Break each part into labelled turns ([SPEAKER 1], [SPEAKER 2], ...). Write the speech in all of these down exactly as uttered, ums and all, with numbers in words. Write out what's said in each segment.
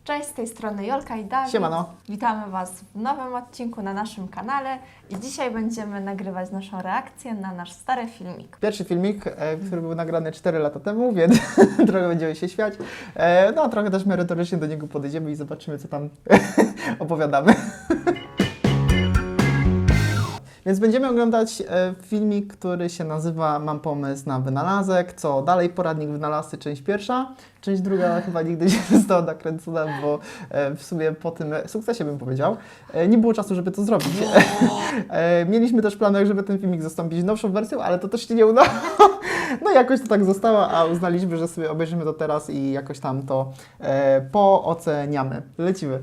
[SPEAKER 1] Cześć, z tej strony Jolka i Dawid.
[SPEAKER 2] Siemano.
[SPEAKER 1] Witamy Was w nowym odcinku na naszym kanale i dzisiaj będziemy nagrywać naszą reakcję na nasz stary filmik.
[SPEAKER 2] Pierwszy filmik, e, który był nagrany cztery lata temu, więc trochę będziemy się śmiać. E, no a trochę też merytorycznie do niego podejdziemy i zobaczymy, co tam opowiadamy. Więc będziemy oglądać e, filmik, który się nazywa Mam pomysł na wynalazek, co dalej, poradnik wynalazcy, część pierwsza. Część druga chyba nigdy nie została nakręcona, bo e, w sumie po tym sukcesie bym powiedział, e, nie było czasu, żeby to zrobić. e, mieliśmy też planach, żeby ten filmik zastąpić nowszą wersją, ale to też się nie udało. No jakoś to tak zostało, a uznaliśmy, że sobie obejrzymy to teraz i jakoś tam to e, pooceniamy. Lecimy.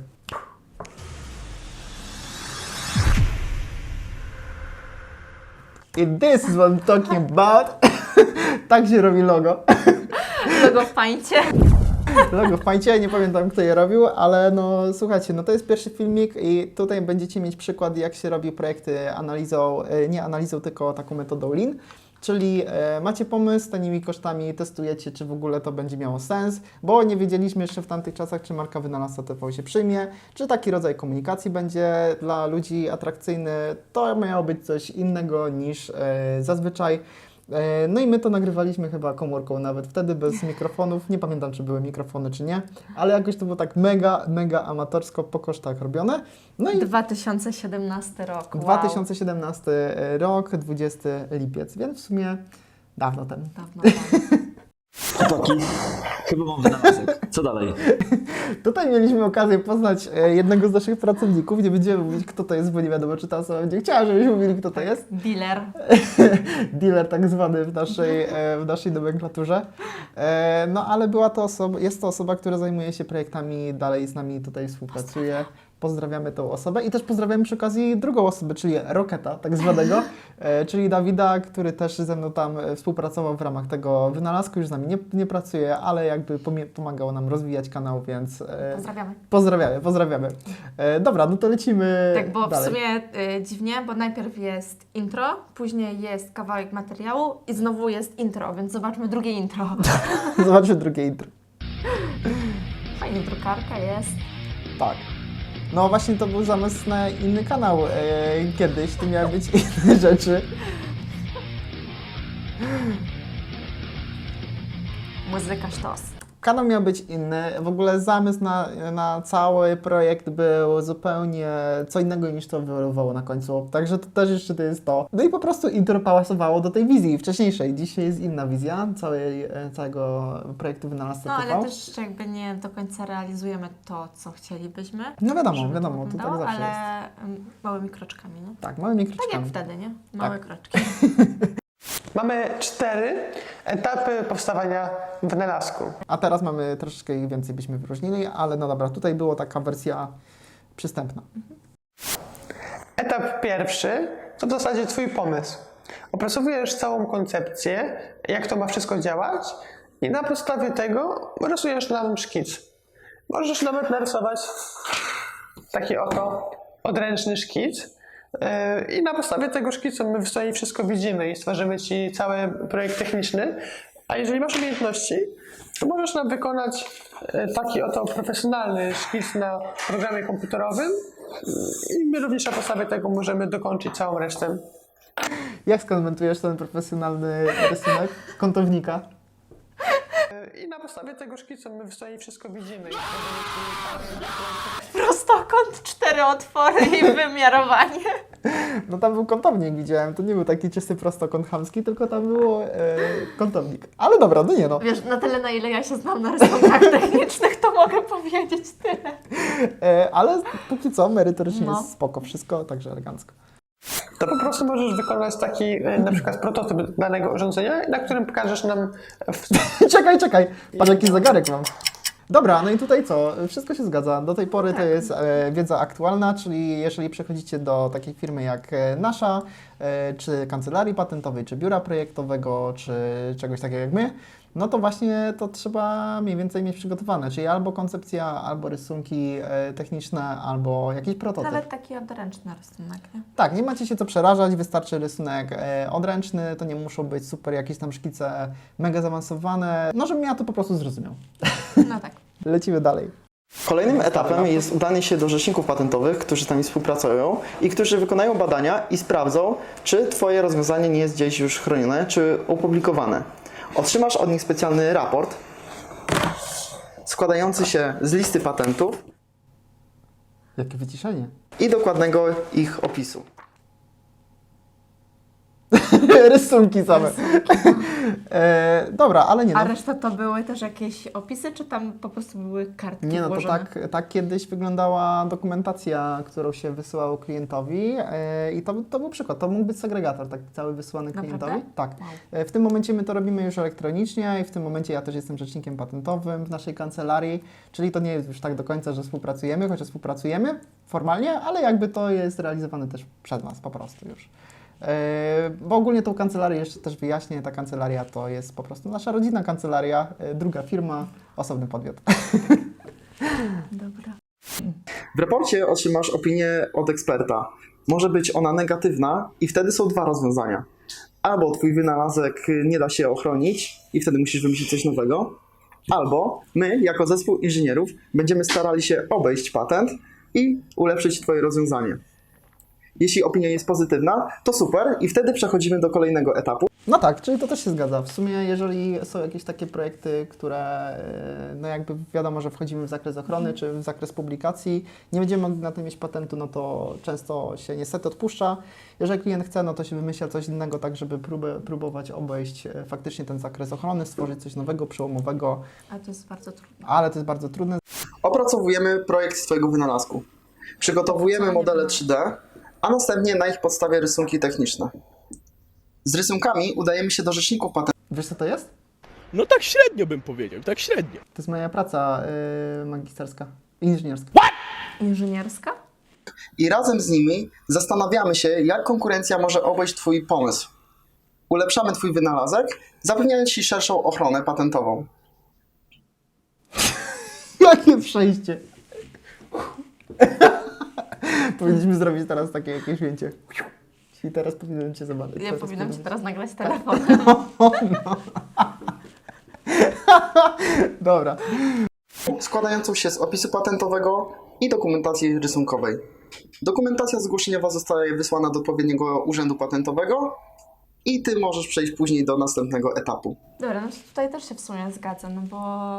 [SPEAKER 2] I this is what I'm talking about. Tak się robi logo.
[SPEAKER 1] Logo w pańcie.
[SPEAKER 2] Logo w pańcie, nie pamiętam kto je robił, ale no słuchajcie, no to jest pierwszy filmik i tutaj będziecie mieć przykład, jak się robi projekty analizą, nie analizą, tylko taką metodą Lean. Czyli e, macie pomysł, tanimi kosztami testujecie, czy w ogóle to będzie miało sens, bo nie wiedzieliśmy jeszcze w tamtych czasach, czy marka wynalazca T V się przyjmie, czy taki rodzaj komunikacji będzie dla ludzi atrakcyjny. To miało być coś innego niż e, zazwyczaj. E, no i my to nagrywaliśmy chyba komórką nawet wtedy, bez mikrofonów. Nie pamiętam, czy były mikrofony, czy nie, ale jakoś to było tak mega, mega amatorsko po kosztach robione. No i
[SPEAKER 1] dwa tysiące siedemnasty rok. Wow.
[SPEAKER 2] dwa tysiące siedemnasty rok, dwudziesty lipiec, więc w sumie dawno temu.
[SPEAKER 1] Dawno temu.
[SPEAKER 3] Chłopaki, chyba mam wynalazek. Co dalej?
[SPEAKER 2] Tutaj mieliśmy okazję poznać e, jednego z naszych pracowników. Nie będziemy mówić, kto to jest, bo nie wiadomo, czy ta osoba będzie chciała, żebyśmy mówili, kto to jest.
[SPEAKER 1] Dealer.
[SPEAKER 2] Dealer tak zwany w naszej, e, w naszej nomenklaturze. E, no ale była to osoba, jest to osoba, która zajmuje się projektami, dalej z nami tutaj współpracuje. Pozdrawiamy tą osobę i też pozdrawiamy przy okazji drugą osobę, czyli Roketa tak zwanego, e, czyli Dawida, który też ze mną tam współpracował w ramach tego wynalazku, już z nami nie, nie pracuje, ale jakby pomie- pomagał nam rozwijać kanał, więc e,
[SPEAKER 1] Pozdrawiamy.
[SPEAKER 2] pozdrawiamy, pozdrawiamy. E, dobra, no to lecimy
[SPEAKER 1] Tak, bo
[SPEAKER 2] dalej.
[SPEAKER 1] w sumie y, dziwnie, bo najpierw jest intro, później jest kawałek materiału i znowu jest intro, więc zobaczmy drugie intro.
[SPEAKER 2] Zobaczmy drugie intro.
[SPEAKER 1] Fajnie, drukarka jest.
[SPEAKER 2] Tak. No właśnie to był zamysł na inny kanał e, kiedyś, to miały być inne rzeczy.
[SPEAKER 1] Muzyka sztos.
[SPEAKER 2] Kanał miał być inny, w ogóle zamysł na, na cały projekt był zupełnie co innego niż to wywoływało na końcu, także to też jeszcze to jest to. No i po prostu intro pasowało do tej wizji wcześniejszej, dzisiaj jest inna wizja całej, całego projektu Wynalazca
[SPEAKER 1] No
[SPEAKER 2] T V.
[SPEAKER 1] ale też jakby nie do końca realizujemy to, co chcielibyśmy.
[SPEAKER 2] No wiadomo,
[SPEAKER 1] żeby
[SPEAKER 2] wiadomo, to tak
[SPEAKER 1] wyglądało,
[SPEAKER 2] zawsze
[SPEAKER 1] ale
[SPEAKER 2] jest.
[SPEAKER 1] mm, małymi kroczkami, no.
[SPEAKER 2] Tak, małymi
[SPEAKER 1] Tak
[SPEAKER 2] kroczkami.
[SPEAKER 1] jak wtedy, nie? Małe
[SPEAKER 2] Tak.
[SPEAKER 1] kroczki.
[SPEAKER 4] Mamy cztery etapy powstawania wynalazku.
[SPEAKER 2] A teraz mamy troszeczkę ich więcej byśmy wyróżnili, ale no dobra, tutaj była taka wersja przystępna.
[SPEAKER 4] Etap pierwszy to w zasadzie Twój pomysł. Opracowujesz całą koncepcję, jak to ma wszystko działać i na podstawie tego rysujesz nam szkic. Możesz nawet narysować taki oto odręczny szkic. I na podstawie tego szkicu my w stanie wszystko widzimy i stworzymy Ci cały projekt techniczny. A jeżeli masz umiejętności, to możesz nam wykonać taki oto profesjonalny szkic na programie komputerowym i my również na podstawie tego możemy dokończyć całą resztę.
[SPEAKER 2] Jak skomentujesz ten profesjonalny rysunek kątownika?
[SPEAKER 4] I na podstawie tego szkicu my w stanie wszystko widzimy i stworzymy Ci cały projekt.
[SPEAKER 1] Prostokąt, cztery otwory i wymiarowanie.
[SPEAKER 2] No tam był kątownik, widziałem, to nie był taki czysty prostokąt chamski, tylko tam był e, kątownik. Ale dobra, no nie no.
[SPEAKER 1] Wiesz, na tyle, na ile ja się znam na rysunkach technicznych, to mogę powiedzieć tyle.
[SPEAKER 2] E, ale póki co merytorycznie
[SPEAKER 1] No.
[SPEAKER 2] jest spoko wszystko, także elegancko.
[SPEAKER 4] To po prostu możesz wykonać taki e, na przykład prototyp danego urządzenia, na którym pokażesz nam w
[SPEAKER 2] czekaj, czekaj, patrz jaki zegarek mam. Dobra, no i tutaj co? Wszystko się zgadza. Do tej pory
[SPEAKER 1] Tak.
[SPEAKER 2] to jest e, wiedza aktualna, czyli jeżeli przechodzicie do takiej firmy jak e, nasza, e, czy kancelarii patentowej, czy biura projektowego, czy czegoś takiego jak my, no to właśnie to trzeba mniej więcej mieć przygotowane, czyli albo koncepcja, albo rysunki e, techniczne, albo jakiś prototyp.
[SPEAKER 1] Nawet taki odręczny rysunek, nie?
[SPEAKER 2] Tak, nie macie się co przerażać, wystarczy rysunek e, odręczny, to nie muszą być super jakieś tam szkice mega zaawansowane, no żebym ja to po prostu zrozumiał.
[SPEAKER 1] No tak.
[SPEAKER 2] Lecimy dalej. Kolejnym etapem jest udanie się do rzeczników patentowych, którzy z nami współpracują i którzy wykonają badania i sprawdzą, czy Twoje rozwiązanie nie jest gdzieś już chronione, czy opublikowane. Otrzymasz od nich specjalny raport składający się z listy patentów. Jakie wyciszenie. I dokładnego ich opisu. Rysunki same. e, dobra, ale nie
[SPEAKER 1] A
[SPEAKER 2] no.
[SPEAKER 1] reszta to były też jakieś opisy, czy tam po prostu były kartki
[SPEAKER 2] Nie no, to
[SPEAKER 1] włożone?
[SPEAKER 2] tak, tak kiedyś wyglądała dokumentacja, którą się wysyłało klientowi e, i to, to był przykład, to mógł być segregator, tak cały wysyłany
[SPEAKER 1] Naprawdę?
[SPEAKER 2] klientowi. Tak.
[SPEAKER 1] Wow.
[SPEAKER 2] E, W tym momencie my to robimy już elektronicznie i w tym momencie ja też jestem rzecznikiem patentowym w naszej kancelarii, czyli to nie jest już tak do końca, że współpracujemy, chociaż współpracujemy formalnie, ale jakby to jest realizowane też przez nas po prostu już. E, Bo ogólnie tą kancelarię jeszcze też wyjaśnię, ta kancelaria to jest po prostu nasza rodzinna kancelaria, e, druga firma, osobny podmiot.
[SPEAKER 1] Dobra.
[SPEAKER 2] W raporcie otrzymasz opinię od eksperta. Może być ona negatywna i wtedy są dwa rozwiązania. Albo twój wynalazek nie da się ochronić i wtedy musisz wymyślić coś nowego, albo my, jako zespół inżynierów, będziemy starali się obejść patent i ulepszyć twoje rozwiązanie. Jeśli opinia jest pozytywna, to super i wtedy przechodzimy do kolejnego etapu. No tak, czyli to też się zgadza. W sumie jeżeli są jakieś takie projekty, które e, no jakby wiadomo, że wchodzimy w zakres ochrony czy w zakres publikacji, nie będziemy mogli na tym mieć patentu, no to często się niestety odpuszcza. Jeżeli klient chce, no to się wymyśla coś innego, tak żeby próbę, próbować obejść e, faktycznie ten zakres ochrony, stworzyć coś nowego, przełomowego,
[SPEAKER 1] A to jest bardzo trudne.
[SPEAKER 2] ale to jest bardzo trudne. Opracowujemy projekt Twojego wynalazku. Przygotowujemy modele trzy D, a następnie na ich podstawie rysunki techniczne. Z rysunkami udajemy się do rzeczników patentowych. Wiesz co to jest?
[SPEAKER 5] No tak średnio bym powiedział, tak średnio.
[SPEAKER 2] To jest moja praca yy, magisterska, inżynierska.
[SPEAKER 1] Inżynierska?
[SPEAKER 2] I razem z nimi zastanawiamy się, jak konkurencja może obejść Twój pomysł. Ulepszamy Twój wynalazek, zapewniając Ci szerszą ochronę patentową. Jakie przejście! Powinniśmy zrobić teraz takie jakieś ujęcie. I teraz powinienem Cię zobaczyć.
[SPEAKER 1] Ja
[SPEAKER 2] Teraz
[SPEAKER 1] powinnam Ci
[SPEAKER 2] powinienem-
[SPEAKER 1] teraz nagrać telefon.
[SPEAKER 2] Dobra. Składającą się z opisu patentowego i dokumentacji rysunkowej. Dokumentacja zgłoszeniowa zostaje wysłana do odpowiedniego urzędu patentowego i Ty możesz przejść później do następnego etapu.
[SPEAKER 1] Dobra, no to tutaj też się w sumie zgadzam, no bo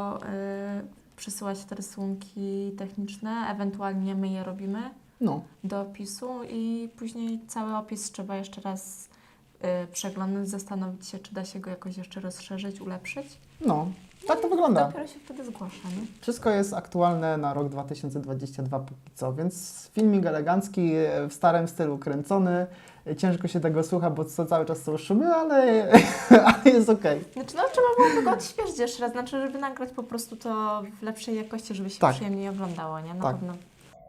[SPEAKER 1] yy, przysyłać te rysunki techniczne, ewentualnie my je robimy
[SPEAKER 2] No.
[SPEAKER 1] do opisu i później cały opis trzeba jeszcze raz yy, przeglądać, zastanowić się, czy da się go jakoś jeszcze rozszerzyć, ulepszyć.
[SPEAKER 2] No. Tak to wygląda.
[SPEAKER 1] Dopiero się wtedy zgłasza, nie?
[SPEAKER 2] Wszystko jest aktualne na rok dwa tysiące dwudziesty drugi póki co, więc filmik elegancki, w starym stylu kręcony. Ciężko się tego słucha, bo co cały czas są szumy, ale, ale jest okej.
[SPEAKER 1] Znaczy, no trzeba byłoby go odświeżyć jeszcze raz, znaczy, żeby nagrać po prostu to w lepszej jakości, żeby się
[SPEAKER 2] Tak.
[SPEAKER 1] przyjemniej oglądało, nie? Na
[SPEAKER 2] Tak.
[SPEAKER 1] pewno.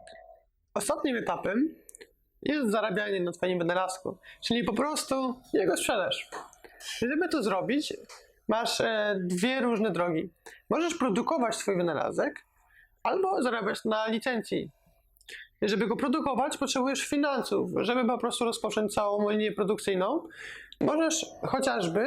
[SPEAKER 4] Ostatnim etapem jest zarabianie na Twoim wynalazku, czyli po prostu jego sprzedaż. Żeby to zrobić, masz e, dwie różne drogi. Możesz produkować Twój wynalazek albo zarabiać na licencji. Żeby go produkować, potrzebujesz finansów. Żeby po prostu rozpocząć całą linię produkcyjną, możesz chociażby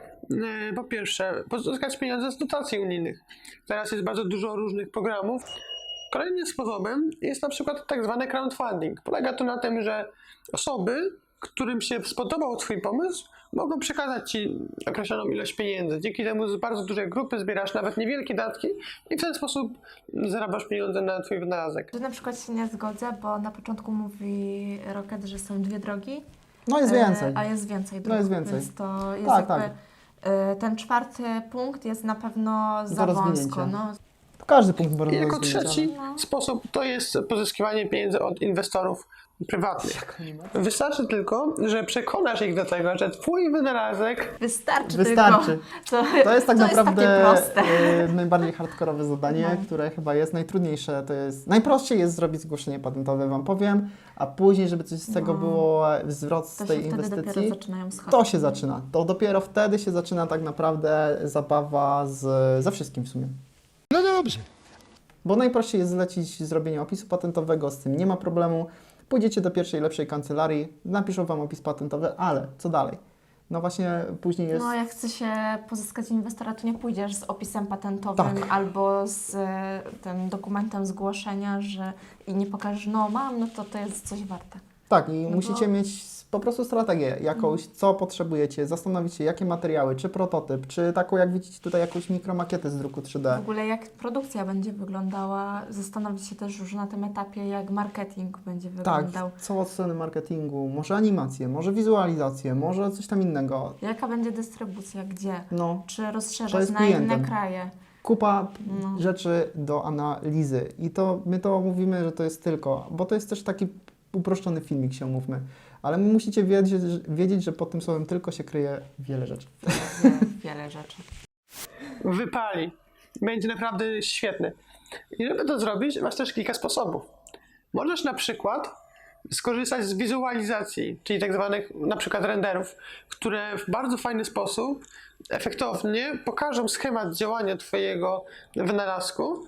[SPEAKER 4] e, po pierwsze pozyskać pieniądze z dotacji unijnych. Teraz jest bardzo dużo różnych programów. Kolejnym sposobem jest na przykład tak zwany crowdfunding. Polega to na tym, że osoby, którym się spodobał Twój pomysł, mogą przekazać Ci określoną ilość pieniędzy. Dzięki temu z bardzo dużej grupy zbierasz nawet niewielkie datki i w ten sposób zarabiasz pieniądze na Twój wynalazek.
[SPEAKER 1] Tu na przykład się nie zgodzę, bo na początku mówi Rocket, że są dwie drogi.
[SPEAKER 2] No jest
[SPEAKER 1] e,
[SPEAKER 2] więcej.
[SPEAKER 1] A jest więcej dróg,
[SPEAKER 2] No jest więcej.
[SPEAKER 1] więc to jest
[SPEAKER 2] Tak,
[SPEAKER 1] jakby... e, Ten czwarty punkt jest na pewno za wąsko.
[SPEAKER 2] rozwinięcia.
[SPEAKER 1] No.
[SPEAKER 2] Każdy punkt może
[SPEAKER 4] I jako
[SPEAKER 2] rozwinąć,
[SPEAKER 4] trzeci
[SPEAKER 1] ale-
[SPEAKER 4] sposób to jest pozyskiwanie pieniędzy od inwestorów prywatnych. Wystarczy tylko, że przekonasz ich do tego, że Twój wynalazek
[SPEAKER 1] Wystarczy,
[SPEAKER 2] Wystarczy.
[SPEAKER 1] tylko.
[SPEAKER 2] To jest tak naprawdę
[SPEAKER 1] Jest takie proste.
[SPEAKER 2] y, najbardziej hardkorowe zadanie,
[SPEAKER 1] No.
[SPEAKER 2] które chyba jest najtrudniejsze. To jest najprościej jest zrobić zgłoszenie patentowe, Wam powiem, a później, żeby coś z tego
[SPEAKER 1] No.
[SPEAKER 2] było, zwrot z
[SPEAKER 1] To
[SPEAKER 2] tej
[SPEAKER 1] się wtedy dopiero
[SPEAKER 2] inwestycji,
[SPEAKER 1] zaczynają schodzić.
[SPEAKER 2] to się zaczyna. To dopiero wtedy się zaczyna tak naprawdę zabawa z, ze wszystkim w sumie.
[SPEAKER 5] No dobrze.
[SPEAKER 2] Bo najprościej jest zlecić zrobienie opisu patentowego, z tym nie ma problemu. Pójdziecie do pierwszej, lepszej kancelarii, napiszą Wam opis patentowy, ale co dalej? no właśnie później jest...
[SPEAKER 1] No jak chce się pozyskać inwestora, to nie pójdziesz z opisem patentowym
[SPEAKER 2] Tak.
[SPEAKER 1] albo z e, tym dokumentem zgłoszenia, że i nie pokażesz, no mam, no to to jest coś warte.
[SPEAKER 2] Tak, i
[SPEAKER 1] No
[SPEAKER 2] musicie
[SPEAKER 1] bo-
[SPEAKER 2] mieć po prostu strategię jakąś, co potrzebujecie, zastanowić się, jakie materiały, czy prototyp, czy taką, jak widzicie tutaj, jakąś mikromakietę z druku trzy D.
[SPEAKER 1] W ogóle jak produkcja będzie wyglądała, zastanowić się też już na tym etapie, jak marketing będzie
[SPEAKER 2] Tak,
[SPEAKER 1] wyglądał.
[SPEAKER 2] co od strony marketingu, może animację, może wizualizację, może coś tam innego.
[SPEAKER 1] Jaka będzie dystrybucja, gdzie?
[SPEAKER 2] No,
[SPEAKER 1] Czy
[SPEAKER 2] To
[SPEAKER 1] rozszerzać
[SPEAKER 2] jest
[SPEAKER 1] na
[SPEAKER 2] klientem.
[SPEAKER 1] inne kraje?
[SPEAKER 2] kupa
[SPEAKER 1] No.
[SPEAKER 2] rzeczy do analizy i to my to mówimy, że to jest tylko, bo to jest też taki uproszczony filmik, się umówmy, ale musicie wiedzieć, że- wiedzieć, że pod tym słowem tylko się kryje wiele rzeczy.
[SPEAKER 1] Wiele, wiele rzeczy.
[SPEAKER 4] Wypali. Będzie naprawdę świetny. I żeby to zrobić, masz też kilka sposobów. Możesz na przykład skorzystać z wizualizacji, czyli tak zwanych na przykład renderów, które w bardzo fajny sposób, efektownie pokażą schemat działania Twojego wynalazku.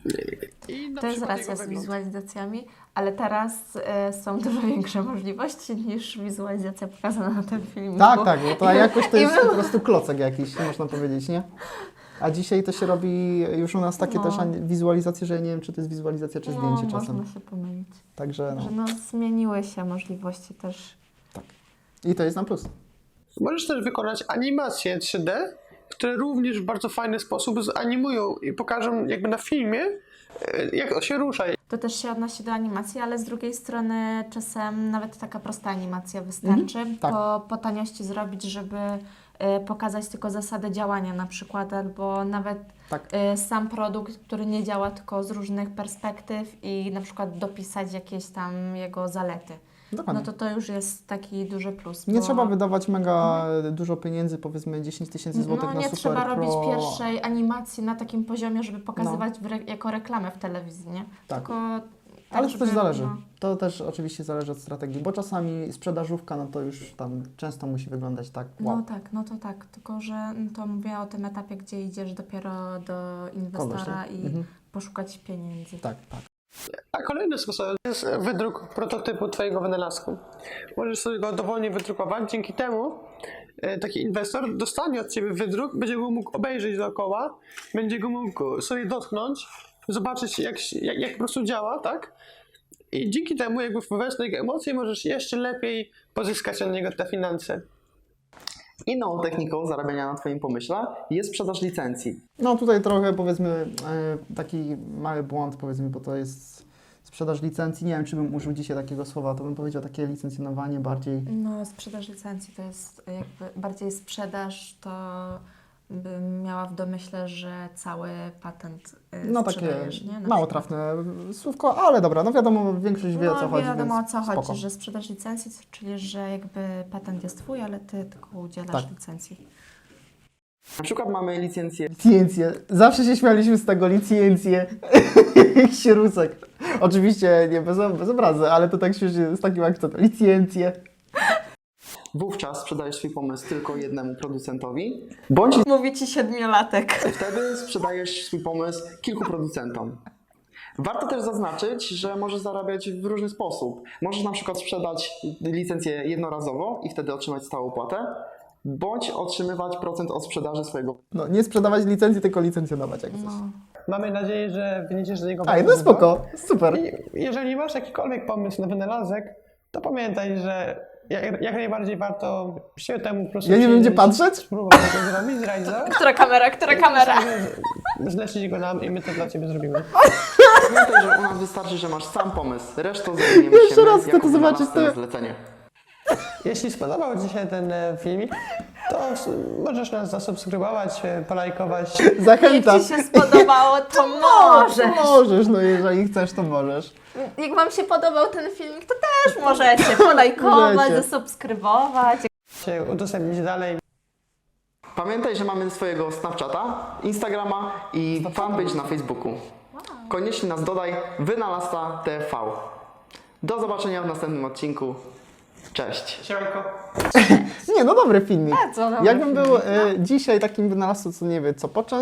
[SPEAKER 4] I na
[SPEAKER 1] To jest
[SPEAKER 4] przykład
[SPEAKER 1] racja
[SPEAKER 4] jego
[SPEAKER 1] z
[SPEAKER 4] wygląd.
[SPEAKER 1] wizualizacjami, ale teraz e, są dużo większe możliwości niż wizualizacja pokazana na tym filmiku.
[SPEAKER 2] Tak, tak, bo to jakoś to
[SPEAKER 1] I
[SPEAKER 2] jest
[SPEAKER 1] my-
[SPEAKER 2] po prostu klocek jakiś, można powiedzieć, nie? A dzisiaj to się robi już u nas takie
[SPEAKER 1] No.
[SPEAKER 2] też ani- wizualizacje, że ja nie wiem, czy to jest wizualizacja, czy
[SPEAKER 1] no,
[SPEAKER 2] zdjęcie czasem.
[SPEAKER 1] można się pomylić.
[SPEAKER 2] Także
[SPEAKER 1] Że
[SPEAKER 2] no,
[SPEAKER 1] no, zmieniły się możliwości też.
[SPEAKER 2] i to jest na plus.
[SPEAKER 4] Możesz też wykonać animacje trzy D, które również w bardzo fajny sposób zanimują i pokażą jakby na filmie, e, jak to się rusza.
[SPEAKER 1] To też się odnosi do animacji, ale z drugiej strony czasem nawet taka prosta animacja wystarczy.
[SPEAKER 2] tak.
[SPEAKER 1] Po, po taniości zrobić, żeby e, pokazać tylko zasady działania na przykład, albo nawet
[SPEAKER 2] Tak.
[SPEAKER 1] e, sam produkt, który nie działa tylko z różnych perspektyw i na przykład dopisać jakieś tam jego zalety.
[SPEAKER 2] Dokładnie.
[SPEAKER 1] No to to już jest taki duży plus.
[SPEAKER 2] Nie
[SPEAKER 1] bo
[SPEAKER 2] trzeba wydawać mega dużo pieniędzy, powiedzmy dziesięć tysięcy złotych
[SPEAKER 1] no
[SPEAKER 2] na
[SPEAKER 1] nie
[SPEAKER 2] super
[SPEAKER 1] trzeba
[SPEAKER 2] pro.
[SPEAKER 1] robić pierwszej animacji na takim poziomie, żeby pokazywać w re, jako reklamę w telewizji, nie?
[SPEAKER 2] Tak.
[SPEAKER 1] Tylko tak,
[SPEAKER 2] Ale to
[SPEAKER 1] żeby,
[SPEAKER 2] też zależy.
[SPEAKER 1] no,
[SPEAKER 2] To też oczywiście zależy od strategii, bo czasami sprzedażówka, no to już tam często musi wyglądać tak, wow.
[SPEAKER 1] No tak, no to tak, tylko że no to mówię o tym etapie, gdzie idziesz dopiero do inwestora
[SPEAKER 2] Kogoś,
[SPEAKER 1] i
[SPEAKER 2] mhm.
[SPEAKER 1] poszukać pieniędzy.
[SPEAKER 2] Tak, tak.
[SPEAKER 4] A kolejny sposób jest wydruk prototypu Twojego wynalazku. Możesz sobie go dowolnie wydrukować, dzięki temu e, taki inwestor dostanie od Ciebie wydruk, będzie go mógł obejrzeć dookoła, będzie go mógł sobie dotknąć, zobaczyć jak, się- jak, jak po prostu działa, tak? I dzięki temu jakby wpływać na jego emocje możesz jeszcze lepiej pozyskać od niego te finanse.
[SPEAKER 2] Inną techniką zarabiania na Twoim pomyśle jest sprzedaż licencji. No tutaj trochę powiedzmy e, taki mały błąd powiedzmy, bo to jest sprzedaż licencji. Nie wiem, czy bym użył dzisiaj takiego słowa, to bym powiedział takie licencjonowanie bardziej.
[SPEAKER 1] No, sprzedaż licencji to jest jakby bardziej sprzedaż, to bym miała w domyśle, że cały patent y,
[SPEAKER 2] No takie
[SPEAKER 1] sprzedajesz, nie? Na
[SPEAKER 2] mało
[SPEAKER 1] przykład.
[SPEAKER 2] trafne słówko, ale dobra, no wiadomo, większość wie o co
[SPEAKER 1] No,
[SPEAKER 2] chodzi,
[SPEAKER 1] wiadomo o
[SPEAKER 2] więc
[SPEAKER 1] co chodzi,
[SPEAKER 2] spoko.
[SPEAKER 1] że sprzedaż licencji, czyli że jakby patent jest twój, ale ty tylko udzielasz
[SPEAKER 2] Tak.
[SPEAKER 1] licencji.
[SPEAKER 2] Na przykład mamy licencję. Licencję. Zawsze się śmialiśmy z tego licencję. Sierusek. Oczywiście nie bez, bez obrazy, ale to tak śmiesznie z takim akcentem. Licencję. Wówczas sprzedajesz swój pomysł tylko jednemu producentowi, bądź
[SPEAKER 1] Mówi ci siedmiolatek.
[SPEAKER 2] wtedy sprzedajesz swój pomysł kilku producentom. Warto też zaznaczyć, że możesz zarabiać w różny sposób. Możesz na przykład sprzedać licencję jednorazowo i wtedy otrzymać stałą opłatę, bądź otrzymywać procent od sprzedaży swojego. No, nie sprzedawać licencji, tylko licencjonować jak
[SPEAKER 1] No.
[SPEAKER 4] Mamy nadzieję, że wyniesiesz z niego
[SPEAKER 2] A, no
[SPEAKER 4] bardzo dużo.
[SPEAKER 2] spoko, super.
[SPEAKER 4] I jeżeli masz jakikolwiek pomysł na wynalazek, to pamiętaj, że jak, jak najbardziej warto się temu po prostu
[SPEAKER 2] Ja nie wiem, gdzie
[SPEAKER 4] przyjrzeć,
[SPEAKER 2] patrzeć?
[SPEAKER 4] spróbować to zrobić, zrealizować.
[SPEAKER 1] Która kamera, która kamera?
[SPEAKER 4] Zlecić go nam i my to dla Ciebie zrobimy.
[SPEAKER 2] Pamiętaj, że u nas wystarczy, że masz sam pomysł. Resztą zajmiemy
[SPEAKER 1] Jeszcze
[SPEAKER 2] się
[SPEAKER 1] raz
[SPEAKER 2] my
[SPEAKER 1] chcę
[SPEAKER 2] jako
[SPEAKER 1] to zobaczyć,
[SPEAKER 2] wynalazcy
[SPEAKER 1] to-
[SPEAKER 2] na zlecenie.
[SPEAKER 4] Jeśli spodobał Ci się ten e, filmik, to s- możesz nas zasubskrybować, e, polajkować.
[SPEAKER 2] Zachęcam.
[SPEAKER 1] Jak ci się spodobało, to możesz.
[SPEAKER 2] Możesz, no jeżeli chcesz, to możesz.
[SPEAKER 1] Jak wam się podobał ten filmik, to też możecie polajkować,
[SPEAKER 2] Możecie.
[SPEAKER 1] zasubskrybować.
[SPEAKER 4] się udostępnić dalej.
[SPEAKER 2] Pamiętaj, że mamy swojego Snapchata, Instagrama i fanpage na Facebooku. Koniecznie nas dodaj, Wynalazca T V. Do zobaczenia w następnym odcinku. Cześć.
[SPEAKER 4] Siemanko.
[SPEAKER 2] Nie, no dobry filmik.
[SPEAKER 1] Bardzo dobry
[SPEAKER 2] Jakbym był
[SPEAKER 1] filmik,
[SPEAKER 2] e, dzisiaj takim wynalazcą, co nie wie co począć,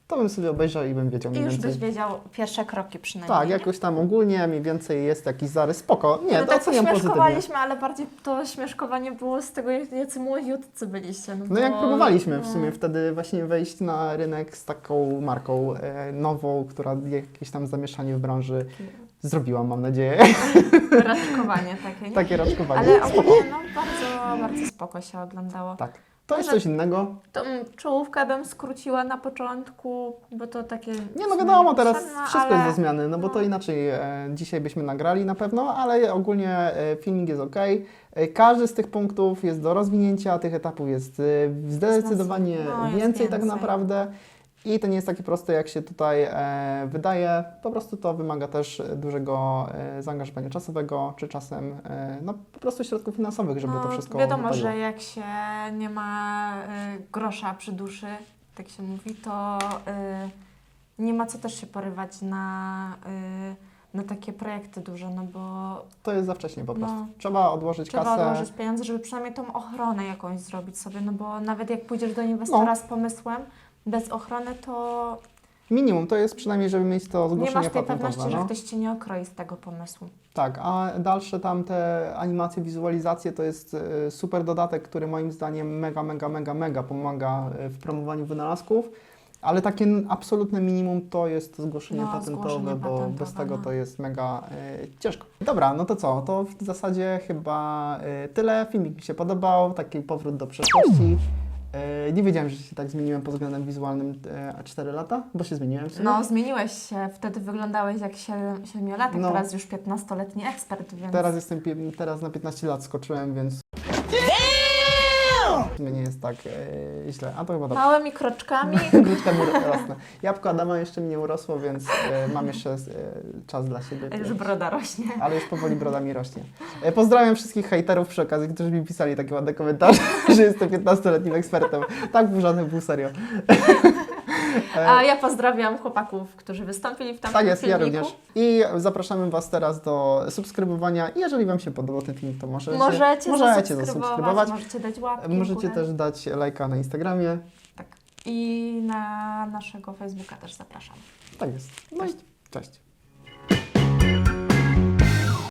[SPEAKER 2] to bym sobie obejrzał i bym wiedział
[SPEAKER 1] I
[SPEAKER 2] mniej
[SPEAKER 1] już
[SPEAKER 2] więcej.
[SPEAKER 1] byś wiedział pierwsze kroki przynajmniej.
[SPEAKER 2] Tak,
[SPEAKER 1] nie?
[SPEAKER 2] jakoś tam ogólnie mniej więcej jest jakiś zarys. Spoko. Nie,
[SPEAKER 1] no
[SPEAKER 2] to
[SPEAKER 1] tak
[SPEAKER 2] oceniam pozytywnie.
[SPEAKER 1] śmieszkowaliśmy, ale bardziej to śmieszkowanie było z tego, jacy młodziutcy byliście. No,
[SPEAKER 2] No
[SPEAKER 1] bo,
[SPEAKER 2] jak próbowaliśmy w
[SPEAKER 1] no,
[SPEAKER 2] sumie wtedy właśnie wejść na rynek z taką marką e, nową, która jakieś tam zamieszanie w branży zrobiła, mam nadzieję.
[SPEAKER 1] Raczkowanie takie, nie?
[SPEAKER 2] Takie raczkowanie.
[SPEAKER 1] Ale
[SPEAKER 2] Spoko.
[SPEAKER 1] ogólnie no, bardzo, bardzo spoko się oglądało.
[SPEAKER 2] Tak. To jest
[SPEAKER 1] Może-
[SPEAKER 2] coś innego.
[SPEAKER 1] Tą czołówkę bym skróciła na początku, bo to takie...
[SPEAKER 2] Nie no wiadomo, teraz
[SPEAKER 1] potrzebne,
[SPEAKER 2] wszystko
[SPEAKER 1] ale...
[SPEAKER 2] jest do zmiany, no bo to
[SPEAKER 1] no.
[SPEAKER 2] inaczej e, dzisiaj byśmy nagrali na pewno, ale ogólnie e, filmik jest ok. E, każdy z tych punktów jest do rozwinięcia, tych etapów jest e, zdecydowanie
[SPEAKER 1] No, jest
[SPEAKER 2] więcej, tak
[SPEAKER 1] więcej.
[SPEAKER 2] naprawdę. I to nie jest takie proste, jak się tutaj e, wydaje. Po prostu to wymaga też dużego e, zaangażowania czasowego, czy czasem e, no, po prostu środków finansowych, żeby
[SPEAKER 1] No,
[SPEAKER 2] to wszystko
[SPEAKER 1] wiadomo,
[SPEAKER 2] wypaliło.
[SPEAKER 1] że jak się nie ma y, grosza przy duszy, tak się mówi, to y, nie ma co też się porywać na, y, na takie projekty duże, no bo
[SPEAKER 2] To jest za wcześnie po prostu.
[SPEAKER 1] No.
[SPEAKER 2] Trzeba odłożyć
[SPEAKER 1] trzeba
[SPEAKER 2] kasę.
[SPEAKER 1] odłożyć pieniądze, żeby przynajmniej tą ochronę jakąś zrobić sobie, no bo nawet jak pójdziesz do inwestora
[SPEAKER 2] No.
[SPEAKER 1] z pomysłem, bez ochrony, to
[SPEAKER 2] Minimum to jest przynajmniej, żeby mieć to
[SPEAKER 1] nie
[SPEAKER 2] zgłoszenie
[SPEAKER 1] masz tej
[SPEAKER 2] patentowe.
[SPEAKER 1] pewności,
[SPEAKER 2] no.
[SPEAKER 1] że ktoś Cię nie okroi z tego pomysłu.
[SPEAKER 2] Tak, a dalsze tam te animacje, wizualizacje to jest e, super dodatek, który moim zdaniem mega, mega, mega, mega pomaga e, w promowaniu wynalazków, ale takie n- absolutne minimum to jest zgłoszenie
[SPEAKER 1] No,
[SPEAKER 2] patentowe,
[SPEAKER 1] zgłoszenie
[SPEAKER 2] bo
[SPEAKER 1] patentowe,
[SPEAKER 2] bez tego
[SPEAKER 1] no.
[SPEAKER 2] to jest mega e, ciężko. Dobra, no to co? To w zasadzie chyba e, tyle. Filmik mi się podobał, taki powrót do przeszłości. E, nie wiedziałem, że się tak zmieniłem pod względem wizualnym e, cztery lata, bo się zmieniłem w sumie.
[SPEAKER 1] No, zmieniłeś się. Wtedy wyglądałeś jak siedem- siedmiolatek,
[SPEAKER 2] No.
[SPEAKER 1] teraz już piętnastoletni ekspert, więc...
[SPEAKER 2] Teraz jestem, pie- teraz na piętnaście lat skoczyłem, więc w sumie nie jest tak e, źle. A to chyba dobrze.
[SPEAKER 1] Małymi kroczkami.
[SPEAKER 2] Grudka mi rosnę. Jabłko Adama jeszcze mi nie urosło, więc e, mam jeszcze e, czas dla siebie.
[SPEAKER 1] Już
[SPEAKER 2] więc-
[SPEAKER 1] broda rośnie.
[SPEAKER 2] Ale już powoli broda mi rośnie. E, pozdrawiam wszystkich hejterów przy okazji, którzy mi pisali takie ładne komentarze, że jestem piętnastoletnim ekspertem. Tak, w żadnych był serio.
[SPEAKER 1] A ja pozdrawiam chłopaków, którzy wystąpili w tamtym
[SPEAKER 2] Tak jest, ja
[SPEAKER 1] filmiku.
[SPEAKER 2] również. I zapraszamy Was teraz do subskrybowania. I jeżeli Wam się podobał ten film, to możecie,
[SPEAKER 1] Możecie,
[SPEAKER 2] możecie
[SPEAKER 1] zasubskrybować,
[SPEAKER 2] zasubskrybować.
[SPEAKER 1] możecie dać łapki w
[SPEAKER 2] Możecie
[SPEAKER 1] górę.
[SPEAKER 2] też dać lajka na Instagramie.
[SPEAKER 1] Tak. I na naszego Facebooka też zapraszam.
[SPEAKER 2] Tak jest. No i cześć.